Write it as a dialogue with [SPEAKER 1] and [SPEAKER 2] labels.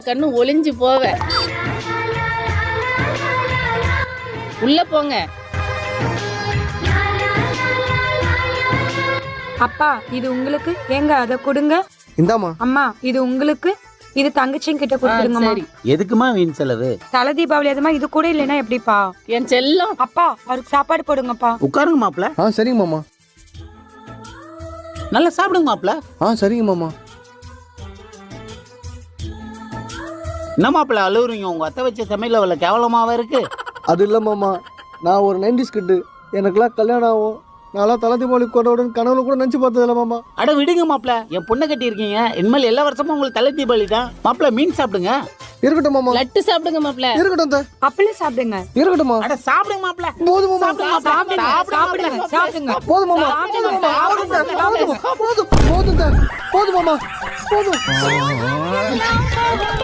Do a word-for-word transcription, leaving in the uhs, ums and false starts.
[SPEAKER 1] கண்ணு ஒளிஞ்சு போவ. உள்ள போங்க.
[SPEAKER 2] அப்பா இது உங்களுக்கு, ஏங்க அதை கொடுங்க.
[SPEAKER 3] இந்தாமா.
[SPEAKER 2] அம்மா இது உங்களுக்கு, இது தங்கச்சியும் கிட்ட கொடுத்துருங்கம்மா.
[SPEAKER 1] சரி.
[SPEAKER 4] எதுக்குமா வீண் செலவு?
[SPEAKER 2] தலை தீபாவளி அதுமா, இது கூட இல்லைன்னா எப்படிப்பா?
[SPEAKER 1] என் செல்லம்.
[SPEAKER 2] அப்பா அவருக்கு சாப்பாடு போடுங்கப்பா.
[SPEAKER 4] உட்காருங்க மாப்பிள.
[SPEAKER 3] ஆ சரிங்க மாமா.
[SPEAKER 4] நல்லா சாப்பிடுங்க மாப்பிள.
[SPEAKER 3] ஆ சரிங்க மாமா.
[SPEAKER 4] என்ன மாப்பிள அழுவுறீங்க? உங்க அத்தை வச்ச சமையல் அவ்வளவு கேவலமாவா இருக்கு?
[SPEAKER 3] அது இல்லை மாமா, நான் ஒரு நைன்டிஸ் கிட்டு. எனக்குலாம் கல்யாணம் ஆகும், நான்லாம் தலை தீபாவளி கொண்டாடுன்னு கனவுல கூட நினச்சி பார்த்தது இல்லை மாமா.
[SPEAKER 4] அட விடுங்க மாப்பிள, என் பொண்ணை கட்டி இருக்கீங்க, இனிமேல் எல்லா வருஷமும் உங்களுக்கு தலை தீபாவளி தான். மாப்பிள மீன் சாப்பிடுங்க.
[SPEAKER 3] இருக்கட்டும் மாமா.
[SPEAKER 1] லட்டு சாப்பிடுங்க மாப்ள.
[SPEAKER 3] இருக்கட்டும் தா.
[SPEAKER 2] அப்பளம் சாப்பிடுங்க.
[SPEAKER 3] இருக்கட்டும்மா.
[SPEAKER 4] அட சாப்பிடுங்க மாப்பிள.
[SPEAKER 3] போதும் மாமா.
[SPEAKER 2] சாப்பிடுங்க சாப்பிடுங்க சாப்பிடுங்க.
[SPEAKER 3] போதும் மாமா.
[SPEAKER 2] சாப்பிடுங்க.
[SPEAKER 3] போதும் போதும் போதும் தா. போதும் மாமா. போதும்.